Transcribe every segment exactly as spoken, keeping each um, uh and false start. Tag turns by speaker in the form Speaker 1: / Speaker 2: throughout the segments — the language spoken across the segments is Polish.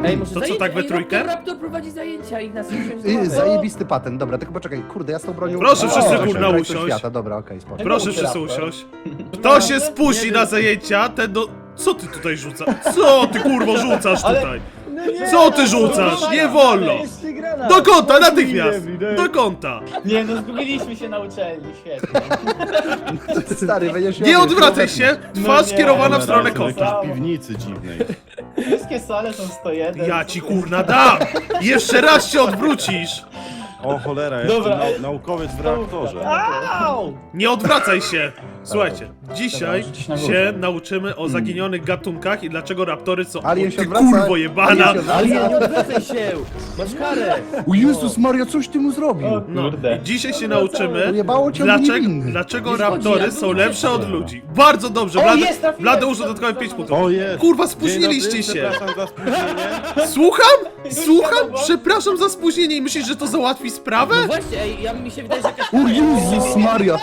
Speaker 1: Ej, może
Speaker 2: To co,
Speaker 1: zajęcia?
Speaker 2: tak we
Speaker 1: Ej,
Speaker 2: trójkę?
Speaker 1: Raptor, Raptor prowadzi zajęcia i nas
Speaker 3: Y, Zajebisty patent, dobra, tylko poczekaj, kurde, ja z tą bronią...
Speaker 2: Proszę
Speaker 3: O,
Speaker 2: wszyscy,
Speaker 3: proszę,
Speaker 2: kurna,
Speaker 3: kraj
Speaker 2: usiąść.
Speaker 3: świata, dobra, okej, spoko.
Speaker 2: Proszę
Speaker 4: Raptor.
Speaker 2: wszyscy usiąść. Kto się spuści na zajęcia, ten do... Co ty tutaj rzucasz? Co ty kurwo rzucasz
Speaker 4: Ale-
Speaker 2: tutaj?
Speaker 5: No nie,
Speaker 2: Co ty
Speaker 5: no,
Speaker 2: rzucasz?
Speaker 5: no,
Speaker 2: Nie
Speaker 5: no,
Speaker 2: wolno!
Speaker 5: jeszcze granat.
Speaker 2: Do kąta,
Speaker 5: No,
Speaker 2: natychmiast!
Speaker 5: nie, nie.
Speaker 2: Do kąta!
Speaker 4: Nie no, zgubiliśmy się na uczelni, świetnie.
Speaker 3: Stary, będziesz
Speaker 2: Nie odwracaj się! Twarz
Speaker 4: No nie.
Speaker 2: skierowana w
Speaker 4: Dobra,
Speaker 2: stronę
Speaker 6: W
Speaker 2: kąta.
Speaker 6: jakiejś piwnicy dziwnej.
Speaker 4: Wszystkie sale są sto jeden.
Speaker 2: Ja ci kurna dam! Jeszcze raz się odwrócisz!
Speaker 6: O cholera,
Speaker 4: Dobra,
Speaker 6: jestem
Speaker 4: ej.
Speaker 6: nau naukowiec w reaktorze.
Speaker 5: Au!
Speaker 2: Nie odwracaj się! Słuchajcie, dzisiaj
Speaker 4: Dobra, rzucić na górę.
Speaker 2: się nauczymy o zaginionych gatunkach i dlaczego raptory są...
Speaker 3: Alien się
Speaker 2: Ty
Speaker 3: odwraca.
Speaker 2: kurwo jebana!
Speaker 3: Alien się
Speaker 1: Ale
Speaker 3: odwraca.
Speaker 1: nie odwracaj się! Masz karę!
Speaker 3: O Jezus Maria, coś ty mu zrobił?
Speaker 4: O
Speaker 2: No,
Speaker 4: kurde.
Speaker 2: i dzisiaj się nauczymy,
Speaker 3: Ujebało cię, on
Speaker 2: dlaczego,
Speaker 3: niewinny.
Speaker 2: dlaczego
Speaker 1: Nie szkodzi,
Speaker 2: raptory
Speaker 1: ja
Speaker 2: są
Speaker 1: bym
Speaker 2: lepsze
Speaker 1: nie
Speaker 2: od
Speaker 1: chciał.
Speaker 2: ludzi. Bardzo dobrze,
Speaker 4: O,
Speaker 2: Blady,
Speaker 4: jest, trafiłem!
Speaker 2: Blady użył dodatkowe pięć punktów.
Speaker 6: O jest!
Speaker 2: Kurwa,
Speaker 6: Dzień dobry,
Speaker 2: spóźniliście się!
Speaker 6: Przepraszam za spóźnienie.
Speaker 2: Słucham? Słucham?
Speaker 4: wiadomo.
Speaker 2: Przepraszam za spóźnienie i myślisz, że to załatwi sprawę?
Speaker 1: No właśnie, ej, ja mi się wydaje, że jakaś
Speaker 3: O Jezus Maria!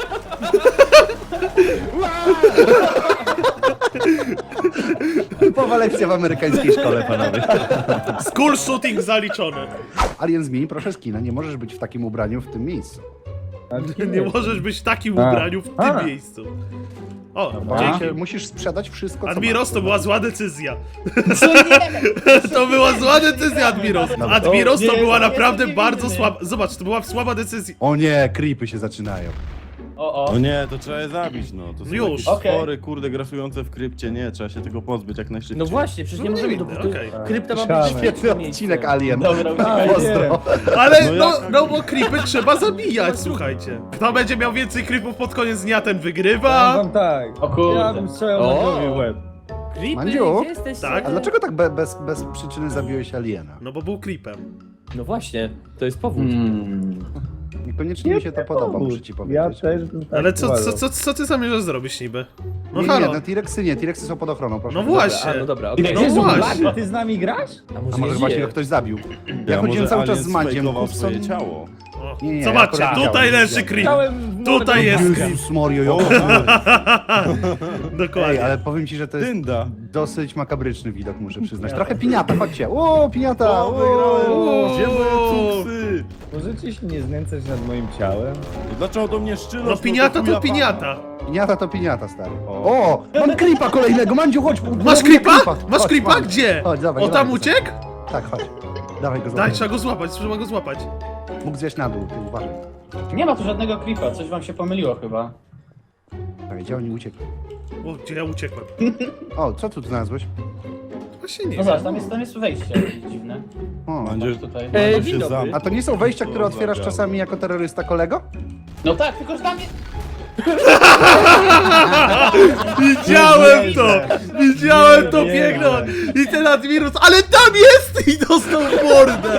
Speaker 3: Typowa lekcja w amerykańskiej szkole, panowie.
Speaker 2: School shooting zaliczony.
Speaker 3: Alien, zmień proszę skina, nie możesz być w takim ubraniu w tym miejscu.
Speaker 2: Nie możesz być w takim
Speaker 5: A.
Speaker 2: ubraniu w tym
Speaker 5: A.
Speaker 2: miejscu. O,
Speaker 3: Dzięki.
Speaker 2: dzięki.
Speaker 3: Musisz sprzedać wszystko, co
Speaker 2: Admiros,
Speaker 3: masz.
Speaker 2: to była zła decyzja.
Speaker 4: Co nie?
Speaker 2: To była zła decyzja, Admiros. Admiros to
Speaker 4: nie,
Speaker 2: była
Speaker 4: nie,
Speaker 2: naprawdę
Speaker 4: nie,
Speaker 2: bardzo
Speaker 4: nie, nie.
Speaker 2: słaba... Zobacz, to była słaba decyzja.
Speaker 3: O nie, creepy się zaczynają.
Speaker 4: O, o.
Speaker 6: No nie, to trzeba je zabić, no. To są
Speaker 2: Już.
Speaker 6: jakieś
Speaker 4: Okej.
Speaker 6: stwory, kurde, grasujące w krypcie. Nie, trzeba się tego pozbyć jak najszybciej.
Speaker 1: No właśnie, przecież nie
Speaker 2: No
Speaker 1: możemy
Speaker 2: nie
Speaker 1: do
Speaker 2: winny,
Speaker 1: to-
Speaker 2: okej.
Speaker 1: Krypta ma
Speaker 5: Szamy.
Speaker 1: być
Speaker 3: Świetny
Speaker 1: świetne miejsce.
Speaker 3: odcinek Alien.
Speaker 4: Dobra,
Speaker 5: A,
Speaker 4: uciekaj.
Speaker 3: Pozdro.
Speaker 2: Ale
Speaker 6: No
Speaker 2: no,
Speaker 6: jak-
Speaker 2: no bo creepy trzeba zabijać, słuchajcie. Kto będzie miał więcej creepów pod koniec dnia, ten wygrywa.
Speaker 5: Wam tak.
Speaker 4: O kurde.
Speaker 5: Ja bym strzelał
Speaker 1: O.
Speaker 5: na głowie w łeb.
Speaker 1: Creepy,
Speaker 3: Mandziu?
Speaker 1: gdzie jesteście?
Speaker 2: Tak.
Speaker 3: A dlaczego tak be, bez, bez przyczyny zabiłeś aliena?
Speaker 2: No bo był creepem.
Speaker 1: No właśnie, to jest powód.
Speaker 4: Hmm.
Speaker 3: Niekoniecznie mi się to podoba, muszę ci
Speaker 5: Ja
Speaker 3: powiedzieć.
Speaker 5: też bym tak
Speaker 2: Ale co, co,
Speaker 5: uważał.
Speaker 2: co, co ty zamierzasz zrobić niby? No
Speaker 3: Nie, nie,
Speaker 2: halo.
Speaker 3: no T-Rexy nie, T-Rexy są pod ochroną, proszę.
Speaker 2: No
Speaker 3: Dobra.
Speaker 2: właśnie.
Speaker 1: A, no dobra, okej.
Speaker 4: Ile
Speaker 2: No
Speaker 4: jest?
Speaker 2: właśnie.
Speaker 5: Ty z nami grasz?
Speaker 1: A może,
Speaker 3: A może
Speaker 1: nie
Speaker 3: właśnie
Speaker 1: żyje?
Speaker 3: go ktoś zabił? Ja
Speaker 6: Ja
Speaker 3: chodziłem
Speaker 6: może
Speaker 3: cały czas
Speaker 6: alien
Speaker 3: z Madziem,
Speaker 6: sfejkował
Speaker 3: Kupson.
Speaker 6: swoje ciało.
Speaker 2: O,
Speaker 3: Nie, nie,
Speaker 2: zobaczcie,
Speaker 3: ja akurat
Speaker 2: tutaj
Speaker 3: widziałem,
Speaker 2: leży
Speaker 3: widziałem.
Speaker 2: creep.
Speaker 5: Chciałem w mordę
Speaker 2: Tutaj jest
Speaker 5: uderzyć.
Speaker 2: creep.
Speaker 3: Jezus Mario,
Speaker 6: O,
Speaker 3: jo. Ej,
Speaker 2: Dokładnie.
Speaker 3: ale powiem ci, że to jest
Speaker 6: dynda.
Speaker 3: dosyć makabryczny widok, muszę przyznać. Trochę piniata, chodźcie. O, piniata!
Speaker 6: O, wygrałem.
Speaker 3: O.
Speaker 6: Gdzie moje cuksy?
Speaker 5: Możecie się nie znęcać nad moim ciałem?
Speaker 6: Dlaczego do mnie szczylosz?
Speaker 2: No piniata
Speaker 6: chuja
Speaker 2: to piniata.
Speaker 3: Piniata to piniata, stary.
Speaker 6: O.
Speaker 3: O, mam creepa kolejnego, Mandziu, chodź.
Speaker 2: Masz
Speaker 3: próbuję
Speaker 2: creepa? Masz
Speaker 3: Chodź,
Speaker 2: creepa?
Speaker 3: mam.
Speaker 2: Gdzie?
Speaker 3: Chodź, dawaj,
Speaker 2: O,
Speaker 3: dawaj
Speaker 2: tam
Speaker 3: go
Speaker 2: uciekł?
Speaker 3: Tak, chodź. Dawaj go
Speaker 2: Daj,
Speaker 3: złapać.
Speaker 2: trzeba go złapać, trzeba go złapać.
Speaker 3: Mógł zjeść na dół, ty uważaj.
Speaker 4: Nie ma tu żadnego creepa, coś wam się pomyliło chyba.
Speaker 3: Tak, gdzie oni uciekli?
Speaker 2: O, gdzie ja uciekłem?
Speaker 3: O, co tu znalazłeś?
Speaker 2: Właśnie nie
Speaker 4: No
Speaker 2: wiem.
Speaker 4: zobacz, tam jest, tam jest wejście jakieś dziwne.
Speaker 3: O.
Speaker 6: Mandziu,
Speaker 4: Tutaj.
Speaker 1: Ej,
Speaker 6: Mandziu
Speaker 1: dzień
Speaker 6: się
Speaker 1: dobry.
Speaker 6: zam-
Speaker 3: A to nie są wejścia, które
Speaker 6: O,
Speaker 3: otwierasz
Speaker 6: zabiał.
Speaker 3: czasami jako terrorysta, kolego?
Speaker 4: No tak, tylko że tam jest...
Speaker 2: Widziałem to! Widziałem to
Speaker 5: Nie,
Speaker 2: piękno!
Speaker 5: nie.
Speaker 2: I ten Admirus, ale tam jest! I dostał w mordę!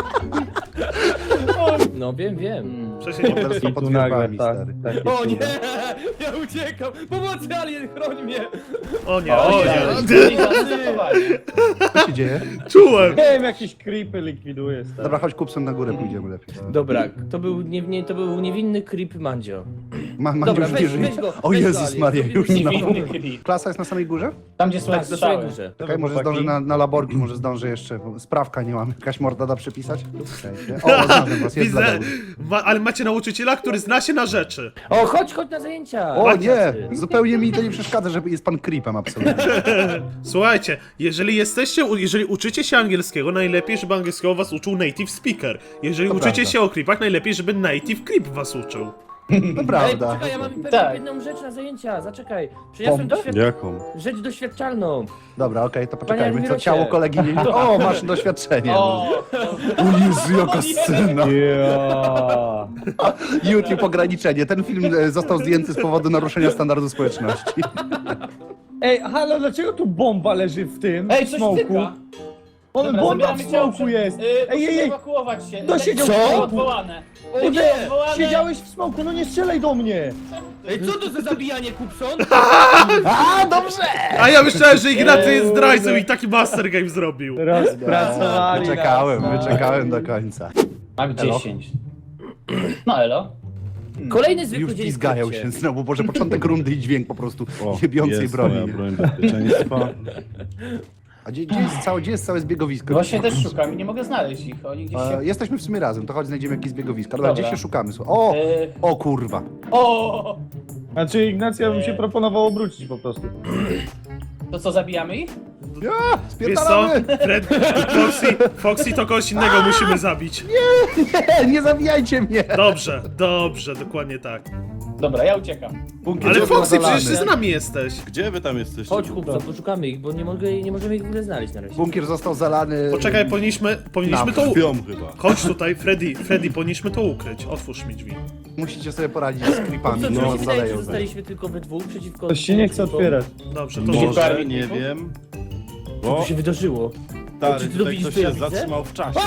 Speaker 1: No wiem, wiem.
Speaker 2: Przecież nie
Speaker 3: Teraz to
Speaker 5: I
Speaker 3: pod
Speaker 5: tu nagle
Speaker 3: wierzbami,
Speaker 5: tak.
Speaker 3: stary.
Speaker 5: takie
Speaker 1: O nie!
Speaker 5: cuda.
Speaker 1: Ja uciekam! Pomocy, alien, chroń mnie!
Speaker 2: O nie,
Speaker 4: O,
Speaker 2: o
Speaker 4: nie,
Speaker 2: nie.
Speaker 4: nie, zastosowanie.
Speaker 3: Co się dzieje?
Speaker 2: Czułem!
Speaker 5: Nie wiem, jakieś creepy likwiduje, stary.
Speaker 3: Dobra, chodź kupcem na górę, pójdziemy lepiej.
Speaker 1: Dobra, to był, nie, nie, to był niewinny creep Mandzio.
Speaker 3: Ma, ma
Speaker 1: Dobra,
Speaker 3: już
Speaker 1: weź-
Speaker 3: nie żyje.
Speaker 1: weź go,
Speaker 3: O
Speaker 1: weź go,
Speaker 3: Jezus
Speaker 1: Alien,
Speaker 3: Maria,
Speaker 1: zrobimy
Speaker 3: już
Speaker 1: ci
Speaker 3: znowu.
Speaker 4: Niewinny creep.
Speaker 3: Klasa jest na samej górze?
Speaker 4: Tam gdzie
Speaker 1: Tak,
Speaker 4: słychać
Speaker 1: do swojej
Speaker 4: strzały.
Speaker 1: górze.
Speaker 3: Czekaj, może
Speaker 5: chłopaki?
Speaker 3: zdążę na, na laborki, może zdążę jeszcze. bo Sprawka nie mam. Jakaś morda da przypisać? Czekajcie. O, znalazłem was, jest
Speaker 2: Widzę,
Speaker 3: Bladeusz.
Speaker 2: ma, ale macie nauczyciela, który zna się na rzeczy.
Speaker 1: O, chodź, chodź na zajęcia!
Speaker 3: O
Speaker 1: Chodź,
Speaker 3: nie,
Speaker 1: tacy.
Speaker 3: zupełnie mi to nie przeszkadza, że jest pan creepem absolutnie.
Speaker 2: Słuchajcie, jeżeli jesteście, u- jeżeli uczycie się angielskiego, najlepiej, żeby angielskiego was uczył native speaker. Jeżeli
Speaker 3: To
Speaker 2: uczycie
Speaker 3: prawda.
Speaker 2: się o creepach, najlepiej, żeby native creep was uczył.
Speaker 3: To
Speaker 1: Ej,
Speaker 3: prawda.
Speaker 1: poczekaj, ja mam pewną
Speaker 4: Tak.
Speaker 1: jedną rzecz na zajęcia, zaczekaj. Przyniosłem
Speaker 3: Bombę?
Speaker 1: doświad...
Speaker 6: Jaką?
Speaker 1: rzecz doświadczalną.
Speaker 3: Dobra, okej, to
Speaker 1: Panie
Speaker 3: poczekajmy, co
Speaker 1: Admirosie.
Speaker 3: ciało kolegi nie... O, masz doświadczenie.
Speaker 4: O,
Speaker 3: O Jezu, jaka scena.
Speaker 5: Ja.
Speaker 3: YouTube ograniczenie. Ten film e, został zdjęty z powodu naruszenia standardu społeczności.
Speaker 5: Ej, halo, dlaczego tu bomba leży w tym
Speaker 4: Ej, coś
Speaker 5: smoku?
Speaker 4: tyka.
Speaker 5: On
Speaker 4: Dobra,
Speaker 5: bomba
Speaker 4: zabieramy
Speaker 5: w
Speaker 4: ciało.
Speaker 5: smoku jest!
Speaker 4: Yy,
Speaker 5: Ej, ej, ej!
Speaker 4: ewakuować się.
Speaker 5: No siedział w
Speaker 4: Lekcje
Speaker 5: smoku.
Speaker 4: odwołane.
Speaker 5: O
Speaker 4: Lekcje
Speaker 5: nie!
Speaker 4: odwołane.
Speaker 5: Siedziałeś w smoku, no nie strzelaj do mnie!
Speaker 1: Ej, co to za zabijanie, Kupson?
Speaker 3: A, dobrze!
Speaker 2: A ja myślałem, że Ignacy jest zdrajcą i taki master game zrobił.
Speaker 5: Rozpracowali
Speaker 3: Wyczekałem,
Speaker 5: nas.
Speaker 3: wyczekałem do końca.
Speaker 4: Mak dziesięć. No elo.
Speaker 1: Kolejny zwykły
Speaker 3: Już
Speaker 1: dzień w
Speaker 3: pizgają
Speaker 1: krypcie.
Speaker 3: się znowu, boże, początek rundy i dźwięk po prostu
Speaker 6: O,
Speaker 3: jebiącej
Speaker 6: jest
Speaker 3: broni.
Speaker 6: moja broń bezpieczeństwa.
Speaker 3: A gdzie, gdzie, jest całe, gdzie jest całe zbiegowisko?
Speaker 4: Właśnie też szukam i nie mogę znaleźć ich. Oni gdzieś się...
Speaker 3: E, jesteśmy w sumie razem, to chodź znajdziemy jakieś zbiegowiska. Dobra,
Speaker 4: Dobra.
Speaker 3: gdzie się szukamy? Słuchaj. O!
Speaker 4: E,
Speaker 3: O kurwa.
Speaker 4: O!
Speaker 5: Znaczy Ignacja bym się proponował obrócić po prostu.
Speaker 4: To co, zabijamy ich?
Speaker 3: Ja,
Speaker 2: Wiesz co?
Speaker 3: spierdalamy!
Speaker 2: Fred, Foxy, Foxy to kogoś innego musimy zabić.
Speaker 3: Nie, nie zabijajcie mnie!
Speaker 2: Dobrze, dobrze, dokładnie tak.
Speaker 4: Dobra, ja uciekam.
Speaker 3: Bunkier
Speaker 2: Ale
Speaker 3: jest
Speaker 2: Foxy,
Speaker 3: zalany.
Speaker 2: przecież ty z nami jesteś.
Speaker 6: Gdzie wy tam jesteście?
Speaker 1: Chodź chłopca, poszukamy ich, bo nie, mogę, nie możemy ich w ogóle znaleźć na razie.
Speaker 3: Bunkier został zalany.
Speaker 2: Poczekaj, powinniśmy, powinniśmy
Speaker 3: Nam.
Speaker 2: to... u-
Speaker 6: Śpią chyba.
Speaker 2: Chodź tutaj, Freddy, Freddy, powinniśmy to ukryć. Otwórz mi drzwi.
Speaker 3: Musicie sobie poradzić z creepami,
Speaker 1: Co,
Speaker 3: no,
Speaker 1: no, się wydaje, że
Speaker 3: zaleją. zaraz.
Speaker 1: zostaliśmy tylko we dwóch przeciwko...
Speaker 5: Ktoś się nie chce otwierać.
Speaker 2: Dobrze, to
Speaker 4: Może-
Speaker 2: może...
Speaker 6: Może, nie wiem.
Speaker 1: Co
Speaker 6: Bo
Speaker 1: tu się wydarzyło?
Speaker 6: stary,
Speaker 1: Czy ty
Speaker 6: tutaj
Speaker 1: widzisz,
Speaker 6: ktoś
Speaker 1: co ja
Speaker 6: się
Speaker 1: widzę?
Speaker 6: zatrzymał w czasie.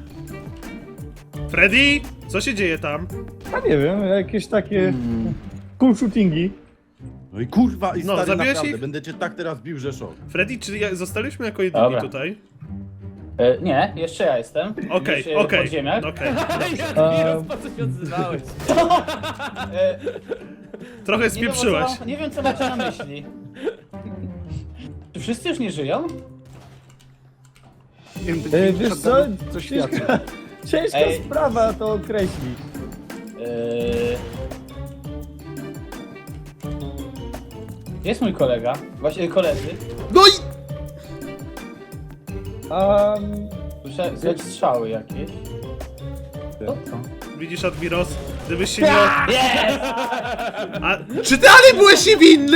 Speaker 2: Freddy, co się dzieje tam?
Speaker 5: A nie wiem, jakieś takie cool shootingi.
Speaker 6: No i kurwa, i
Speaker 2: No,
Speaker 6: stary,
Speaker 2: zabiłeś
Speaker 6: naprawdę,
Speaker 2: ich?
Speaker 6: będę cię tak teraz bił, że szok.
Speaker 2: Freddy, czy ja, zostaliśmy jako jedyni
Speaker 4: Dobra.
Speaker 2: tutaj?
Speaker 4: E, nie, jeszcze ja jestem.
Speaker 2: Okej,
Speaker 4: Gdzieś, e,
Speaker 2: okej,
Speaker 4: w podziemiach.
Speaker 2: okej.
Speaker 1: Admiros, po co się odzywałeś?
Speaker 4: E,
Speaker 2: Trochę
Speaker 4: nie, wiem,
Speaker 2: spieprzyłeś.
Speaker 4: o co, nie wiem, co macie na myśli. Czy wszyscy już nie żyją?
Speaker 3: Nie wiem,
Speaker 5: E,
Speaker 3: ty-
Speaker 5: wiesz
Speaker 3: co-
Speaker 5: co?
Speaker 3: Co świadczy?
Speaker 5: Ciężka, ciężka
Speaker 4: Ej.
Speaker 5: sprawa to określić.
Speaker 4: Eee... Jest mój kolega, właśnie koledzy.
Speaker 2: No i...
Speaker 5: Um,
Speaker 4: Słyszę słychać strzały jakieś. Co to?
Speaker 2: Widzisz, Admiros? Gdybyś się nie...
Speaker 4: Yes!
Speaker 2: A, czy ty ale byłeś niewinny?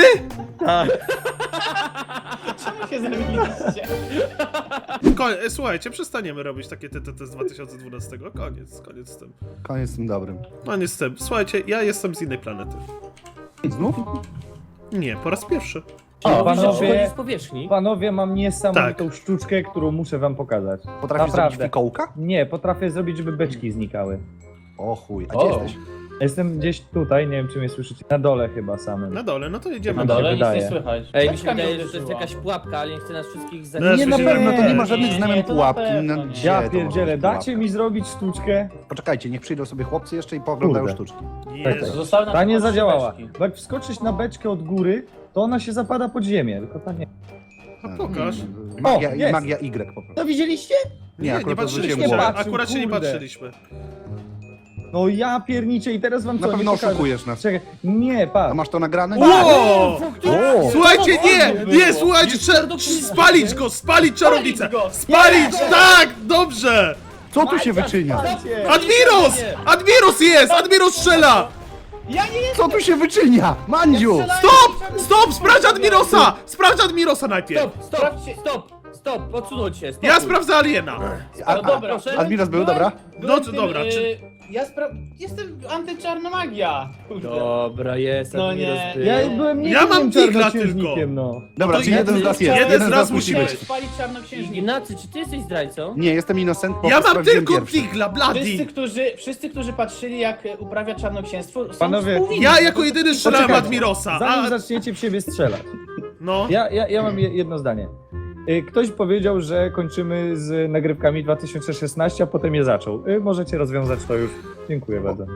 Speaker 4: Czemu się zamieniliście?
Speaker 2: Ko e, słuchajcie, przestaniemy robić takie T T T z dwa tysiące dwunastego. Koniec, koniec z tym.
Speaker 3: Koniec z tym dobrym.
Speaker 2: Koniec z tym. Słuchajcie, ja jestem z innej planety.
Speaker 3: Znów?
Speaker 2: Nie, po raz pierwszy.
Speaker 4: O,
Speaker 1: Mówisz, że
Speaker 5: panowie-
Speaker 1: przychodzi z powierzchni?
Speaker 5: panowie, mam niesamowitą
Speaker 2: Tak.
Speaker 5: sztuczkę, którą muszę wam pokazać.
Speaker 3: Potrafisz zrobić
Speaker 5: Naprawdę.
Speaker 3: fikołka?
Speaker 5: Nie, potrafię zrobić, żeby beczki znikały.
Speaker 3: O chuj, a
Speaker 4: O.
Speaker 3: gdzie jesteś?
Speaker 5: Jestem gdzieś tutaj, nie wiem czy mnie słyszycie, na dole chyba samym.
Speaker 2: Na dole, no to jedziemy.
Speaker 4: Na
Speaker 5: mi się
Speaker 4: dole nic
Speaker 5: wydaje.
Speaker 4: nie słychać.
Speaker 1: Ej, mi się
Speaker 4: Beczka mnie
Speaker 1: wydaje, że to jest
Speaker 4: uderzyła.
Speaker 1: jakaś pułapka, ale nie chce nas wszystkich
Speaker 2: No,
Speaker 1: zabić.
Speaker 3: Nie, na
Speaker 2: słyszałem.
Speaker 3: pewno, to nie ma
Speaker 4: Nie,
Speaker 3: żadnych
Speaker 4: nie,
Speaker 3: znamion
Speaker 4: to na
Speaker 3: pułapki.
Speaker 4: pewno
Speaker 3: No,
Speaker 4: nie.
Speaker 3: gdzie
Speaker 5: Ja
Speaker 3: to może być
Speaker 5: pierdzielę, dacie
Speaker 3: pułapka?
Speaker 5: mi zrobić sztuczkę?
Speaker 3: Poczekajcie, niech przyjdą sobie chłopcy jeszcze i pooglądają
Speaker 5: Kurde.
Speaker 3: sztuczki.
Speaker 2: Jezu.
Speaker 4: Zostały na
Speaker 5: Ta nie
Speaker 4: tylko trzy
Speaker 5: zadziałała.
Speaker 4: beczki.
Speaker 5: Bo jak wskoczysz na beczkę od góry, to ona się zapada pod ziemię, tylko ta nie.
Speaker 2: A pokaż.
Speaker 3: Magia,
Speaker 5: O, jest.
Speaker 3: magia Y po prostu.
Speaker 5: To widzieliście?
Speaker 2: Nie, nie,
Speaker 3: akurat
Speaker 2: patrzyliśmy
Speaker 3: odwróciłem
Speaker 2: się.
Speaker 3: głowę.
Speaker 2: Akurat się nie
Speaker 5: Kurde.
Speaker 2: patrzyliśmy.
Speaker 5: No ja pierniczę i teraz wam
Speaker 3: Na
Speaker 5: co, nie
Speaker 3: pewno
Speaker 5: pokażę.
Speaker 3: oszukujesz nas.
Speaker 5: Czekaj, nie,
Speaker 3: A
Speaker 5: patrz.
Speaker 3: masz to nagrane?
Speaker 2: Wow!
Speaker 5: O!
Speaker 2: Słuchajcie, nie!
Speaker 4: było.
Speaker 2: Nie, słuchajcie, trzeba spalić go, spalić czarownicę!
Speaker 4: Spalić go,
Speaker 2: Spalić, tak! Dobrze!
Speaker 3: Co tu się wyczynia?
Speaker 5: Patrzcie.
Speaker 2: Admiros! Admiros jest! Admiros strzela!
Speaker 4: Ja nie jestem!
Speaker 3: Co tu się wyczynia? Mandziu!
Speaker 2: Stop! Stop! Sprawdź Admirosa! Sprawdź Admirosa najpierw!
Speaker 1: Stop, stop,
Speaker 4: Sprawdźcie.
Speaker 1: stop, stop, odsunąć się, stop.
Speaker 2: Ja sprawdzę aliena!
Speaker 3: A,
Speaker 4: No dobra,
Speaker 3: a,
Speaker 4: proszę.
Speaker 3: Admiros był, dobra?
Speaker 2: No to dobra,
Speaker 4: y,
Speaker 2: czy-
Speaker 4: Ja spra... Jestem antyczarna magia. Kurde.
Speaker 1: Dobra, jest,
Speaker 4: No
Speaker 1: Admiros
Speaker 4: nie.
Speaker 1: był.
Speaker 5: Ja byłem nie
Speaker 2: Ja mam digla
Speaker 5: czarnoksiężnikiem, no.
Speaker 3: Dobra,
Speaker 2: to
Speaker 3: czyli jeden z
Speaker 2: jeden-
Speaker 3: nas jest.
Speaker 2: jeden
Speaker 3: Jeden z
Speaker 2: raz
Speaker 3: nas musi
Speaker 2: musi
Speaker 3: być.
Speaker 4: Chciałem spalić czarnoksiężnika.
Speaker 1: Ignacy, czy ty jesteś zdrajcą?
Speaker 3: Nie, jestem innocent, bo
Speaker 2: Ja mam
Speaker 3: sprawdziłem
Speaker 2: tylko
Speaker 3: pierwszy.
Speaker 2: digla,
Speaker 4: Wszyscy
Speaker 2: bloody!
Speaker 4: którzy, wszyscy, którzy patrzyli, jak e, uprawia czarnoksięstwo, są
Speaker 5: Panowie,
Speaker 4: współwinni.
Speaker 2: Ja jako jedyny strzelałem
Speaker 5: Poczekajcie.
Speaker 2: Admirosa,
Speaker 5: Zanim
Speaker 2: a...
Speaker 5: zaczniecie w siebie strzelać.
Speaker 2: No...
Speaker 5: Ja, ja, ja mam je- jedno zdanie. Y, Ktoś powiedział, że kończymy z nagrywkami dwa tysiące szesnaście, a potem je zaczął. Y, Możecie rozwiązać to już. Dziękuję bardzo.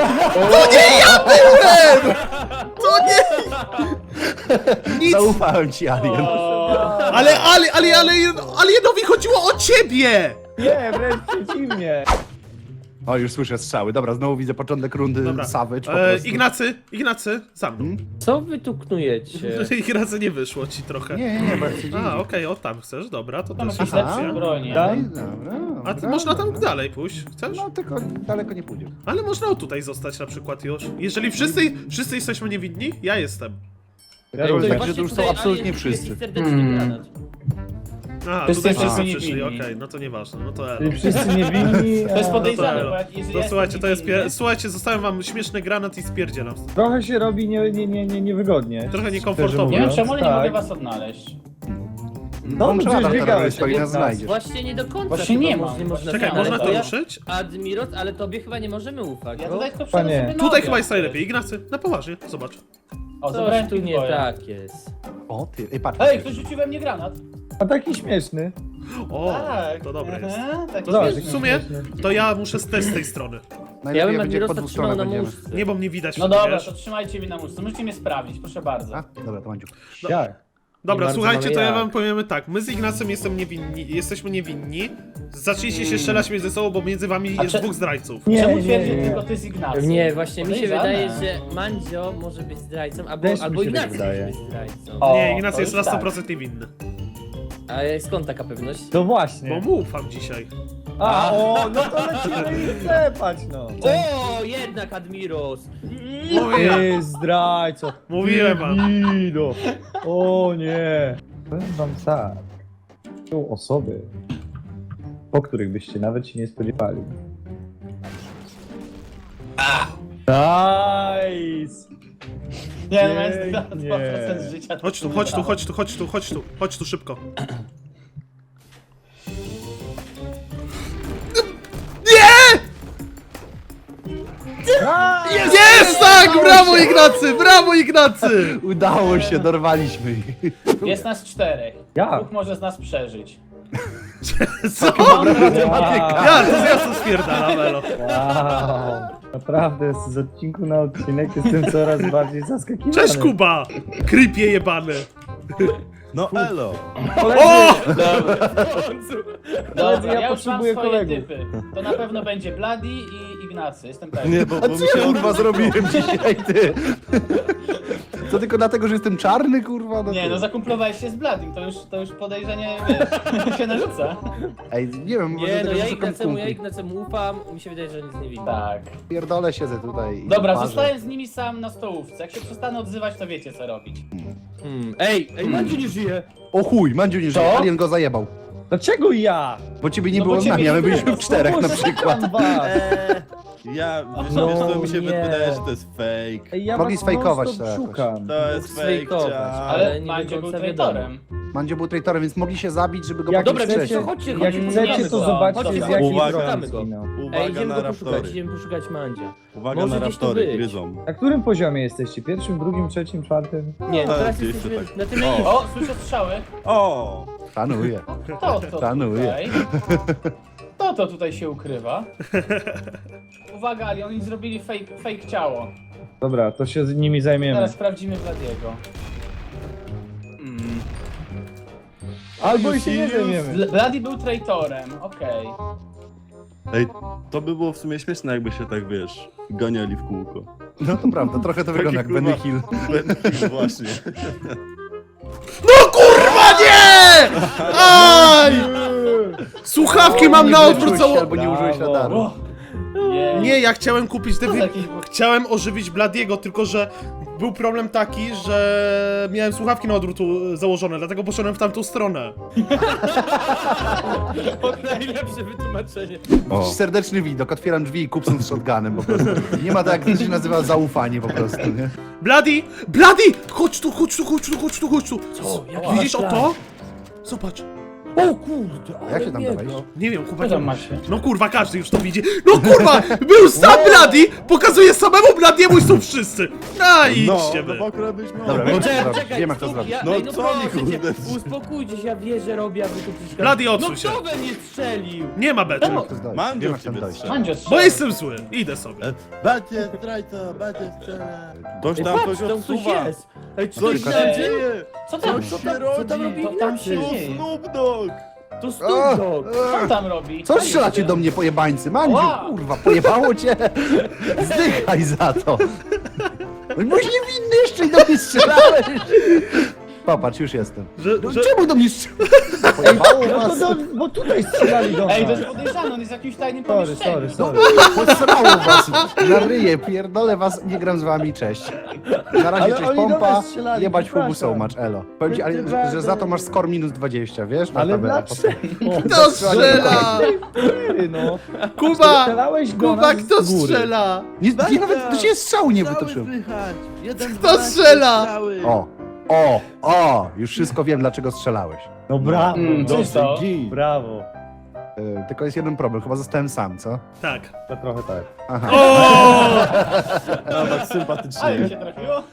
Speaker 2: To nie! Nic!
Speaker 3: Zaufałem ci, Alien.
Speaker 4: O,
Speaker 2: Ale, ale, ale, ale, alienowi chodziło o ciebie!
Speaker 5: Nie, wręcz przeciwnie.
Speaker 3: O, już słyszę strzały. Dobra, znowu widzę początek rundy
Speaker 2: Dobra.
Speaker 3: Savage po
Speaker 2: E,
Speaker 3: prostu.
Speaker 2: Ignacy, Ignacy, za mną.
Speaker 3: Hmm?
Speaker 1: Co wy tu knujecie?
Speaker 2: Ignacy nie wyszło ci trochę.
Speaker 3: Nie, nie, nie, bo ja chcę
Speaker 2: A, okej, o tam chcesz, dobra, to
Speaker 4: Tam
Speaker 2: też
Speaker 4: jakieś
Speaker 2: jest
Speaker 3: Aha.
Speaker 4: lepsze bronie.
Speaker 5: Tak?
Speaker 3: Dobra,
Speaker 2: A ty
Speaker 3: dobra,
Speaker 2: można tam
Speaker 3: dobra.
Speaker 2: dalej pójść, chcesz?
Speaker 3: No, tylko daleko nie pójdziesz.
Speaker 2: Ale można o tutaj zostać na przykład już. Jeżeli wszyscy, wszyscy jesteśmy niewinni, ja jestem.
Speaker 5: Ja
Speaker 3: to
Speaker 5: również.
Speaker 3: tak,
Speaker 1: Patrzcie
Speaker 3: że to już są
Speaker 1: tutaj,
Speaker 3: absolutnie
Speaker 1: alien
Speaker 3: wszyscy.
Speaker 1: jest serdeczny
Speaker 3: Hmm.
Speaker 1: granat.
Speaker 2: A,
Speaker 4: Wszyscy
Speaker 2: tutaj wszyscy
Speaker 4: niewinni.
Speaker 2: przyszli, okej, no to nieważne, no to elo.
Speaker 5: Czyli wszyscy niewinni.
Speaker 4: To jest
Speaker 5: a-
Speaker 4: podejrzane,
Speaker 2: elo.
Speaker 4: bo jak, jeżeli
Speaker 2: No
Speaker 4: ja
Speaker 2: słuchajcie, to jest
Speaker 4: jestem
Speaker 2: pie... Słuchajcie, zostawiam wam śmieszny granat i spierdzielam.
Speaker 5: Trochę się robi nie, nie, nie, nie, niewygodnie.
Speaker 2: Trochę
Speaker 5: szczerze
Speaker 2: niekomfortowo.
Speaker 4: Nie wiem
Speaker 5: mówiąc.
Speaker 4: czemu, ale nie
Speaker 5: Tak.
Speaker 4: mogę was odnajść.
Speaker 3: No,
Speaker 5: No,
Speaker 3: no
Speaker 5: przecież
Speaker 3: radar
Speaker 5: biegałeś
Speaker 3: terrorystów i
Speaker 5: od
Speaker 3: nas
Speaker 5: nas.
Speaker 3: znajdziesz.
Speaker 1: Właśnie nie do końca
Speaker 4: Właśnie
Speaker 1: chyba
Speaker 4: nie
Speaker 1: moż-
Speaker 4: ma.
Speaker 1: nie można
Speaker 2: Czekaj,
Speaker 1: znaleźć,
Speaker 2: można
Speaker 1: bo
Speaker 2: to
Speaker 1: ja-
Speaker 2: ruszyć?
Speaker 1: Admiros, ale tobie chyba nie możemy ufać,
Speaker 4: Ja
Speaker 1: bo
Speaker 4: tutaj tylko
Speaker 5: Panie.
Speaker 4: wszedłem sobie
Speaker 2: Tutaj
Speaker 4: nogę.
Speaker 2: chyba jest najlepiej, Ignacy, na poważnie, zobacz.
Speaker 4: O,
Speaker 1: coś
Speaker 4: zabrałem
Speaker 1: tu nie
Speaker 4: pitboya.
Speaker 1: tak jest.
Speaker 3: O, ty, ej, patrz.
Speaker 4: Ej, ktoś rzucił we mnie granat.
Speaker 5: A taki śmieszny.
Speaker 2: O,
Speaker 4: Tak.
Speaker 2: to dobre jest.
Speaker 4: Aha, taki
Speaker 2: To
Speaker 4: śmieszny.
Speaker 2: w sumie, to ja muszę z tej, z tej strony.
Speaker 1: Ja
Speaker 3: Najlepiej
Speaker 1: bym
Speaker 3: będzie po
Speaker 1: Admirosa
Speaker 3: dwóch
Speaker 1: trzymał
Speaker 3: stronach
Speaker 1: na
Speaker 3: będziemy.
Speaker 1: muszce.
Speaker 2: Nie, bo mnie widać
Speaker 4: No
Speaker 2: wtedy,
Speaker 4: dobra,
Speaker 2: wiesz?
Speaker 4: to trzymajcie mnie na muszce. Możecie mnie sprawdzić, proszę bardzo.
Speaker 3: A? Dobra, to Mandziu.
Speaker 5: Jak?
Speaker 2: Dobra,
Speaker 1: bardzo
Speaker 2: słuchajcie,
Speaker 1: mamy
Speaker 2: to ja
Speaker 1: jak.
Speaker 2: wam powiemy tak. My z Ignacem jestem niewinni, jesteśmy niewinni. Zacznijcie się strzelać między sobą, bo między wami
Speaker 4: A
Speaker 2: jest
Speaker 4: czy-
Speaker 2: dwóch zdrajców.
Speaker 5: Nie,
Speaker 4: Czemu
Speaker 5: nie,
Speaker 4: twierdzisz
Speaker 5: nie.
Speaker 4: tylko ty z Ignacym?
Speaker 1: Nie, właśnie mi się
Speaker 4: Podejrzane.
Speaker 1: wydaje, że Mandzio może być zdrajcą, albo,
Speaker 5: Też mi
Speaker 1: albo
Speaker 5: się tak
Speaker 1: Ignacy
Speaker 5: wydaje.
Speaker 1: może być zdrajcą.
Speaker 4: O,
Speaker 2: Nie,
Speaker 4: to
Speaker 2: Ignacy jest na
Speaker 4: już
Speaker 2: sto
Speaker 4: tak.
Speaker 2: procent niewinny.
Speaker 1: A skąd taka pewność?
Speaker 5: To
Speaker 2: Bo
Speaker 5: właśnie.
Speaker 2: mu ufam dzisiaj.
Speaker 5: A, o, no to lecimy i klepać, no.
Speaker 1: O, jednak Admiros!
Speaker 2: Mówiłem,
Speaker 5: Ty zdrajco.
Speaker 2: mówiłem wam.
Speaker 5: Ido. O nie. Powiem wam tak. Są osoby, po których byście nawet się nie spodziewali. Nice!
Speaker 4: Nie, no jest
Speaker 5: Pięknie.
Speaker 4: dwa procent życia.
Speaker 2: Chodź tu, chodź tu, chodź tu, chodź tu, chodź tu, chodź tu szybko. Jest tak! Brawo Ignacy! Brawo Ignacy!
Speaker 3: Udało się, dorwaliśmy ich.
Speaker 4: Jest nas czterech.
Speaker 5: Ja.
Speaker 4: Dwóch może z nas przeżyć.
Speaker 2: Co?
Speaker 3: Matematyka.
Speaker 2: Ja, to ja to spierdalam, elo.
Speaker 5: Wow. Naprawdę z odcinku na odcinek jestem coraz bardziej zaskakiwany.
Speaker 2: Cześć Kuba! Creepie jebany.
Speaker 6: No elo!
Speaker 2: O!
Speaker 4: Dobra,
Speaker 5: ja
Speaker 4: ja, już mam
Speaker 5: potrzebuję
Speaker 4: swoje
Speaker 5: kolegów.
Speaker 4: typy. To na pewno będzie Bloody i Ignacy, jestem pewien.
Speaker 6: Nie, bo,
Speaker 3: A
Speaker 6: bo
Speaker 3: co
Speaker 6: mi się
Speaker 3: ja kurwa zrobiłem dzisiaj, ty? To tylko dlatego, że jestem czarny, kurwa? No
Speaker 4: Nie,
Speaker 3: ty.
Speaker 4: no zakumplowałeś się z Bladym, to już, to już podejrzenie, wiesz, się narzuca.
Speaker 3: Ej, nie wiem, może
Speaker 1: Nie, no
Speaker 3: tego
Speaker 1: ja
Speaker 3: szukam
Speaker 1: Ignacemu, ja
Speaker 3: kumpli.
Speaker 1: Ignacemu ufam, mi się wydaje, że on jest niewinny.
Speaker 4: Tak.
Speaker 3: Pierdolę, siedzę tutaj i
Speaker 4: Dobra,
Speaker 3: parzę.
Speaker 4: zostałem z nimi sam na stołówce. Jak się przestanę odzywać, to wiecie co robić.
Speaker 1: Hmm. Ej, ej, Mandziu nie żyje!
Speaker 3: O chuj, Mandziu nie żyje,
Speaker 4: Co?
Speaker 3: Alien go zajebał.
Speaker 5: Dlaczego ja?
Speaker 3: Bo ciebie nie
Speaker 4: No bo
Speaker 3: było z
Speaker 4: ciebie
Speaker 3: nami, a my
Speaker 4: nie
Speaker 3: byliśmy
Speaker 4: było.
Speaker 3: w czterech na przykład.
Speaker 5: Szukam was.
Speaker 1: Eee,
Speaker 6: Ja, wiesz,
Speaker 5: No
Speaker 6: wiesz co, mi się
Speaker 5: nie.
Speaker 6: wydaje, że to jest fake.
Speaker 5: Ej, ja
Speaker 3: Mogli
Speaker 5: was
Speaker 3: sfejkować
Speaker 5: non-stop
Speaker 3: to jakoś.
Speaker 5: szukam.
Speaker 6: To jest fake,
Speaker 1: Sfejkować,
Speaker 6: ciao.
Speaker 1: ale
Speaker 4: Ale
Speaker 1: nie
Speaker 4: Mandzio
Speaker 1: do
Speaker 4: był
Speaker 1: końca
Speaker 4: traitorem.
Speaker 3: Mandzio był traitorem, więc mogli się zabić, żeby go
Speaker 5: Jak
Speaker 3: potem
Speaker 1: Dobra,
Speaker 5: chcecie,
Speaker 1: więc
Speaker 3: strzelić.
Speaker 1: chodźcie,
Speaker 5: jak
Speaker 1: chodźcie,
Speaker 5: chcecie,
Speaker 1: szukamy
Speaker 5: to
Speaker 1: go.
Speaker 5: zobaczcie
Speaker 1: Chodźcie,
Speaker 5: z jakiej
Speaker 6: Uwaga.
Speaker 5: broni
Speaker 1: szukamy go.
Speaker 5: zginął.
Speaker 1: Ej,
Speaker 6: Uwaga
Speaker 1: idziemy
Speaker 6: na
Speaker 1: go poszukać,
Speaker 6: raptory.
Speaker 1: idziemy poszukać Mandzia.
Speaker 6: Uwaga
Speaker 1: Może
Speaker 6: na
Speaker 1: gdzieś tu
Speaker 6: raptory,
Speaker 1: być.
Speaker 6: gryzą.
Speaker 5: Na którym poziomie jesteście? Pierwszym, drugim, trzecim, czwartym?
Speaker 1: Nie,
Speaker 6: tak,
Speaker 1: teraz
Speaker 6: gdzieś
Speaker 1: jesteśmy
Speaker 6: tutaj.
Speaker 1: na tym
Speaker 6: O.
Speaker 1: miejscu.
Speaker 4: O, słyszę strzały.
Speaker 6: O!
Speaker 3: Szanuję.
Speaker 4: Kto to
Speaker 3: Szanuję.
Speaker 4: tutaj? Kto to tutaj się ukrywa? Uwaga, Ali, oni zrobili fake, fake ciało.
Speaker 5: Dobra, to się z nimi zajmiemy.
Speaker 4: Teraz sprawdzimy Bladiego.
Speaker 6: Mm.
Speaker 5: Albo i się nie zajmiemy.
Speaker 4: Bl- Bloody był traitorem, okej.
Speaker 6: Ej, to by było w sumie śmieszne, jakby się tak, wiesz, ganiali w kółko.
Speaker 3: No to prawda, trochę to wygląda jak
Speaker 6: kurwa-
Speaker 3: Benny Hill.
Speaker 6: Ben Hill, właśnie.
Speaker 2: No kurwa nie! Aj! Słuchawki mam na odwrót
Speaker 3: Użyłeś się
Speaker 2: cało...
Speaker 3: albo nie użyłeś
Speaker 5: Brawo.
Speaker 3: radaru.
Speaker 4: O, nie.
Speaker 2: Nie, ja chciałem kupić te...
Speaker 4: To
Speaker 2: wy-
Speaker 4: jakiś-
Speaker 2: Chciałem ożywić Bladiego, tylko że był problem taki, że miałem słuchawki na odwrót u- założone, dlatego poszedłem w tamtą stronę.
Speaker 1: Najlepsze wytłumaczenie.
Speaker 3: O. Serdeczny widok, otwieram drzwi i kupcem z shotgunem po prostu. Nie ma tak, jak to się nazywa zaufanie po prostu, nie?
Speaker 2: Bloody! Bloody! Chodź tu, chodź tu, chodź tu, chodź tu, chodź tu!
Speaker 1: Co? Jaki
Speaker 2: Widzisz o
Speaker 1: plan?
Speaker 2: to? Zobacz.
Speaker 1: O kurde, ale
Speaker 3: Jak się tam
Speaker 1: biega.
Speaker 3: dawałeś?
Speaker 2: Nie wiem,
Speaker 4: Co
Speaker 2: chłopaki.
Speaker 4: tam macie?
Speaker 2: No kurwa, każdy już to widzi. No kurwa! Był sam Bloody! Pokazuje samemu Bladiemu i są wszyscy! A
Speaker 6: No,
Speaker 2: idźcie
Speaker 6: no
Speaker 2: wy!
Speaker 6: bo akurat byś miał.
Speaker 3: Dobra,
Speaker 2: No
Speaker 3: wiem,
Speaker 1: Czekaj,
Speaker 3: jak to zrobić.
Speaker 1: czekaj,
Speaker 3: Wiem, jak to
Speaker 1: stop,
Speaker 3: zrobić.
Speaker 1: Ja,
Speaker 6: No
Speaker 1: ej, no
Speaker 6: co
Speaker 1: proszę
Speaker 6: mi,
Speaker 1: cię,
Speaker 6: kurde?
Speaker 1: uspokójcie się, ja wierzę, robię, a wy tu przecież...
Speaker 2: Bloody,
Speaker 1: No
Speaker 2: odsuń się.
Speaker 1: kto we mnie strzelił?
Speaker 2: Nie ma bety.
Speaker 3: Wiem, jak to zdać.
Speaker 6: Mandzio
Speaker 3: Wiem, jak
Speaker 6: w
Speaker 3: tam
Speaker 6: ciebie
Speaker 3: dojść.
Speaker 6: strzela.
Speaker 4: Mandzio
Speaker 2: Bo
Speaker 4: strzela.
Speaker 2: jestem zły. Idę sobie.
Speaker 6: Bacie, zdrajca, bacie strzela. Ktoś
Speaker 1: Ej,
Speaker 6: tam
Speaker 1: patrz,
Speaker 6: coś
Speaker 1: tam ktoś
Speaker 6: odsuwa.
Speaker 1: jest. Ej, co
Speaker 6: Coś
Speaker 1: to
Speaker 6: się
Speaker 1: jest?
Speaker 6: dzieje.
Speaker 4: Co tam?
Speaker 6: Coś
Speaker 1: Co
Speaker 6: się
Speaker 1: tam, co tam robi
Speaker 6: rodzi.
Speaker 4: To tam się
Speaker 1: Ignacy?
Speaker 4: dzieje.
Speaker 6: Snoop Dogg.
Speaker 1: To
Speaker 3: O,
Speaker 1: Snoop Dogg.
Speaker 4: Co
Speaker 3: e,
Speaker 4: tam robi?
Speaker 3: Co strzelacie do mnie, pojebańcy? Mandziu,
Speaker 4: Ła!
Speaker 3: kurwa, pojebało cię? Zdychaj za to. No byłeś niewinny jeszcze i do mnie strzelałeś. Popatrz, już jestem.
Speaker 2: Że,
Speaker 3: No,
Speaker 2: że...
Speaker 3: czemu do mnie strzelałeś? Pojebało
Speaker 5: No to
Speaker 3: was.
Speaker 5: do, bo tutaj strzelali do nas.
Speaker 4: Ej, to jest podejrzane, on jest w jakimś tajnym
Speaker 5: Sorry,
Speaker 4: pomieszczeniu.
Speaker 5: sorry, sorry.
Speaker 3: Posrało was na ryję, pierdolę was, nie gram z wami, cześć. Na razie
Speaker 5: Ale
Speaker 3: cześć
Speaker 5: oni do
Speaker 3: pompa,
Speaker 5: nas strzelali,
Speaker 3: jebać
Speaker 5: przepraszam.
Speaker 3: fubu so much, elo. Powiem ci, ale, że, że za to masz score minus dwadzieścia, wiesz? Na
Speaker 5: Ale
Speaker 3: tabelę.
Speaker 5: dlaczego?
Speaker 2: Kto strzela?
Speaker 5: Ty, no.
Speaker 2: Kuba!
Speaker 5: Strzelałeś do
Speaker 2: Kuba,
Speaker 5: nas
Speaker 2: kto
Speaker 5: z góry.
Speaker 2: strzela?
Speaker 3: Nie, nie nawet do ciebie strzału nie
Speaker 6: Strzały
Speaker 3: wytoczyłem.
Speaker 6: słychać. Jeden,
Speaker 2: Kto
Speaker 6: dwanaście
Speaker 2: strzela?
Speaker 6: strzały.
Speaker 3: O, o, o, już wszystko wiem, dlaczego strzelałeś.
Speaker 5: No brawo,
Speaker 4: Mm,
Speaker 5: no,
Speaker 4: coś to?
Speaker 5: brawo.
Speaker 3: Yy, tylko jest jeden problem, chyba zostałem sam, co?
Speaker 2: Tak.
Speaker 5: To trochę tak.
Speaker 3: Aha.
Speaker 2: O!
Speaker 6: Nawet
Speaker 4: Ale mi
Speaker 6: sympatycznie.
Speaker 4: się trafiło.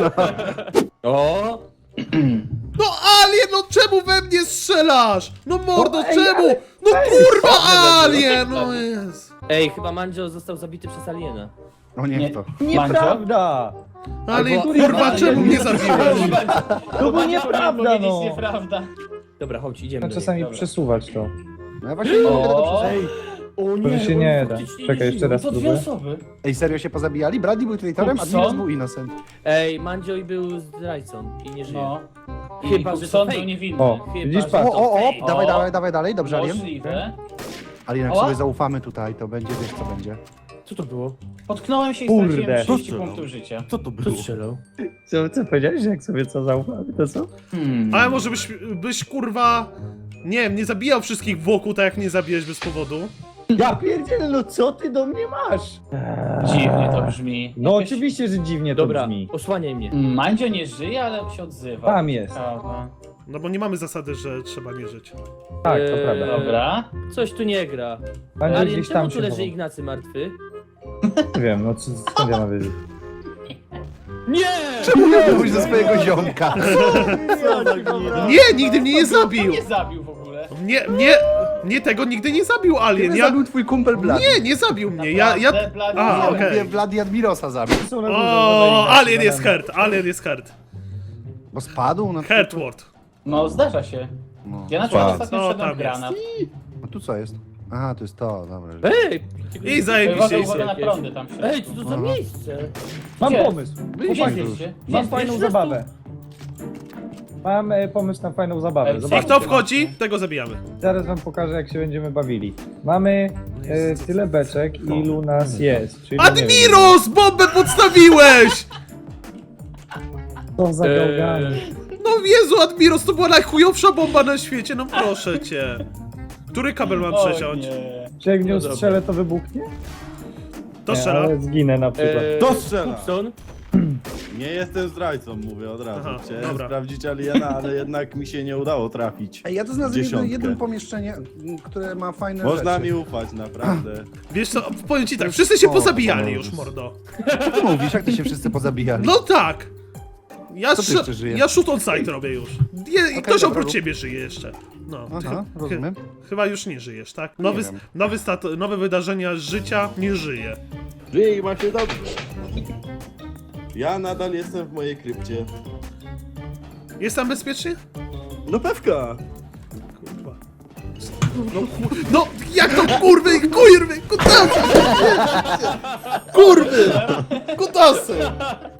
Speaker 1: O!
Speaker 2: No Alien, no czemu we mnie strzelasz? No mordo,
Speaker 5: No, ej,
Speaker 2: czemu?
Speaker 5: ale-
Speaker 2: No
Speaker 5: ej,
Speaker 2: kurwa
Speaker 4: dobrze,
Speaker 2: Alien,
Speaker 4: dobrze.
Speaker 2: no jest.
Speaker 1: Ej, chyba Mandzio został zabity przez aliena.
Speaker 3: O nie,
Speaker 4: Nie.
Speaker 3: to.
Speaker 5: Nieprawda!
Speaker 2: Ale
Speaker 5: Albo-
Speaker 2: kurwa,
Speaker 5: Ale-
Speaker 2: czemu mnie zabiłeś?
Speaker 5: To było
Speaker 4: Mandzio
Speaker 5: nieprawda,
Speaker 4: powiedzieć
Speaker 5: no!
Speaker 4: nieprawda.
Speaker 1: Dobra, chodź, idziemy.
Speaker 5: No
Speaker 1: do
Speaker 5: czasami
Speaker 4: Dobra.
Speaker 5: przesuwać to.
Speaker 3: No ja właśnie nie mogę tego
Speaker 4: O,
Speaker 3: przesunąć.
Speaker 1: O
Speaker 5: To się
Speaker 1: on
Speaker 5: nie da.
Speaker 1: faktycznie
Speaker 5: Czekaj,
Speaker 1: nie
Speaker 5: jeszcze
Speaker 1: żyje.
Speaker 5: raz
Speaker 4: to dwie
Speaker 5: spróbuję.
Speaker 4: osoby.
Speaker 3: Ej, serio się pozabijali? Bradley był traitorem, a
Speaker 4: Kupson?
Speaker 3: Admiros był innocent.
Speaker 1: Ej, Mandzioj był zdrajcą i nie żyje.
Speaker 4: No.
Speaker 1: Chyba,
Speaker 4: I
Speaker 1: że to
Speaker 4: Kupson
Speaker 1: fake.
Speaker 4: był niewinny.
Speaker 5: O,
Speaker 1: Chyba,
Speaker 5: widzisz,
Speaker 1: że
Speaker 5: patrz.
Speaker 3: O, o, o,
Speaker 1: fake.
Speaker 3: dawaj,
Speaker 4: O.
Speaker 3: dawaj, dawaj dalej, dobrze, Alien.
Speaker 4: Możliwe.
Speaker 3: Alien, jak
Speaker 4: Ała.
Speaker 3: sobie zaufamy tutaj, to będzie, wiesz co będzie.
Speaker 1: Co to było?
Speaker 4: Potknąłem się i
Speaker 5: Kurde.
Speaker 4: straciłem trzydzieści
Speaker 6: Co to?
Speaker 4: punktów życia.
Speaker 6: Co to
Speaker 1: Kto
Speaker 6: było?
Speaker 1: strzelał?
Speaker 5: Co, co powiedziałeś, że jak sobie co zaufamy, to co?
Speaker 4: Hmm.
Speaker 2: Ale może byś, byś kurwa... Nie wiem, nie zabijał wszystkich wokół, tak jak mnie zabijesz bez powodu.
Speaker 5: Ja pierdzielę, no co ty do mnie masz?
Speaker 4: Dziwnie to brzmi.
Speaker 5: No
Speaker 4: Jakoś-
Speaker 5: oczywiście, że dziwnie to
Speaker 1: Dobra,
Speaker 5: brzmi.
Speaker 1: osłaniaj mnie.
Speaker 4: Mandzio nie żyje, ale się odzywa.
Speaker 5: Tam jest.
Speaker 4: Prawda.
Speaker 2: No bo nie mamy zasady, że trzeba nie żyć.
Speaker 5: Tak, to
Speaker 1: Eee,
Speaker 5: prawda.
Speaker 4: Dobra.
Speaker 1: Coś tu nie gra.
Speaker 5: Będzie
Speaker 1: Alien,
Speaker 5: gdzieś
Speaker 1: czemu
Speaker 5: tam
Speaker 1: tu
Speaker 5: się
Speaker 1: leży
Speaker 5: chował.
Speaker 1: Ignacy martwy?
Speaker 5: Nie wiem, no co- skąd ja mam wiedzieć?
Speaker 1: Nie!
Speaker 3: Czemu nie mówisz do swojego ziomka?
Speaker 6: Co za gnida?
Speaker 2: Nie, nigdy mnie nie
Speaker 4: Kto
Speaker 2: zabił!
Speaker 4: nie zabił w ogóle?
Speaker 2: Nie, nie, nie tego nigdy nie zabił Alien.
Speaker 3: Kiedy
Speaker 2: Ja...
Speaker 3: zabił twój kumpel Blady?
Speaker 2: Nie, nie zabił mnie. Ja, ja...
Speaker 4: Naprawdę, Blady,
Speaker 2: A,
Speaker 4: nie
Speaker 3: Ja
Speaker 2: okej.
Speaker 3: mówię, Vlad i Admirosa zabił.
Speaker 5: Są na górze,
Speaker 2: O,
Speaker 5: uważaj,
Speaker 2: Alien
Speaker 5: na
Speaker 2: jest
Speaker 5: dole.
Speaker 2: hurt, Alien jest hurt.
Speaker 3: Bo spadł na...
Speaker 2: Hurtward.
Speaker 4: No zdarza się.
Speaker 3: No.
Speaker 4: Ja na przykład
Speaker 3: Spadł.
Speaker 4: ostatnio
Speaker 2: Co
Speaker 4: wszedłem
Speaker 2: tam
Speaker 4: w granat.
Speaker 3: A tu co jest? Aha, to jest to, dobra.
Speaker 1: Ej!
Speaker 2: I zajebiście.
Speaker 4: Uwaga,
Speaker 2: i
Speaker 4: uwaga na
Speaker 2: sobie.
Speaker 4: prądy tam się.
Speaker 1: Ej, co to za
Speaker 3: Aha.
Speaker 1: miejsce?
Speaker 5: Mam
Speaker 4: Gdzie?
Speaker 5: pomysł.
Speaker 4: Gdzie
Speaker 5: Chłopaki,
Speaker 4: jesteście?
Speaker 5: mam
Speaker 4: Gdzie
Speaker 5: fajną
Speaker 4: jesteście?
Speaker 5: zabawę. Mam e, pomysł na fajną zabawę.
Speaker 4: Ej,
Speaker 2: I
Speaker 5: Zobaczcie.
Speaker 2: kto wchodzi, tego zabijamy.
Speaker 5: Zaraz wam pokażę, jak się będziemy bawili. Mamy e, tyle beczek, ilu nas jest. Czyli nie wiem,
Speaker 2: Admiros! Bombę podstawiłeś!
Speaker 5: co za
Speaker 1: Eee,
Speaker 5: gałgany.
Speaker 2: No Jezu, Admiros, to była najchujowsza bomba na świecie, no proszę cię. Który kabel mam
Speaker 4: O
Speaker 2: przeciąć?
Speaker 4: nie.
Speaker 5: Czy jak nie
Speaker 1: No dobra.
Speaker 5: strzelę, to wybuchnie?
Speaker 2: To
Speaker 5: Nie,
Speaker 2: strzela.
Speaker 5: ale zginę na przykład.
Speaker 1: Eee,
Speaker 6: To strzela.
Speaker 1: Kupson?
Speaker 6: Nie jestem zdrajcą, mówię od razu.
Speaker 2: Aha,
Speaker 6: Chciałem
Speaker 2: dobra.
Speaker 6: sprawdzić Aliena, ale jednak mi się nie udało trafić.
Speaker 3: Ej, ja to znalazłem jedno,
Speaker 6: Dziesiątkę.
Speaker 3: jedno pomieszczenie, m, które ma fajne
Speaker 6: Można
Speaker 3: rzeczy.
Speaker 6: mi ufać, naprawdę.
Speaker 2: Wiesz co, powiem ci tak, wszyscy się
Speaker 3: O,
Speaker 2: pozabijali
Speaker 3: Boże.
Speaker 2: już, mordo.
Speaker 3: Co ty mówisz? Jak to się wszyscy pozabijali?
Speaker 2: No tak! Ja,
Speaker 3: Co ty
Speaker 2: sz-
Speaker 3: jeszcze żyjesz?
Speaker 2: ja shoot on sight robię już. Je, I ktoś
Speaker 3: dobra,
Speaker 2: oprócz
Speaker 3: rób.
Speaker 2: ciebie żyje jeszcze. No, ty
Speaker 3: Aha,
Speaker 2: chy-
Speaker 3: rozumiem.
Speaker 2: chyba już nie żyjesz, tak? Nowy,
Speaker 3: wiem.
Speaker 2: nowy stat, nowe wydarzenia życia nie żyje.
Speaker 6: Żyj i ma się dobrze. Ja nadal jestem w mojej krypcie.
Speaker 2: Jest tam bezpiecznie?
Speaker 6: No pewka!
Speaker 2: Kurwa. No, ku- no jak to kurwy, kurwy, kutasy! Kurwy! Kutasy!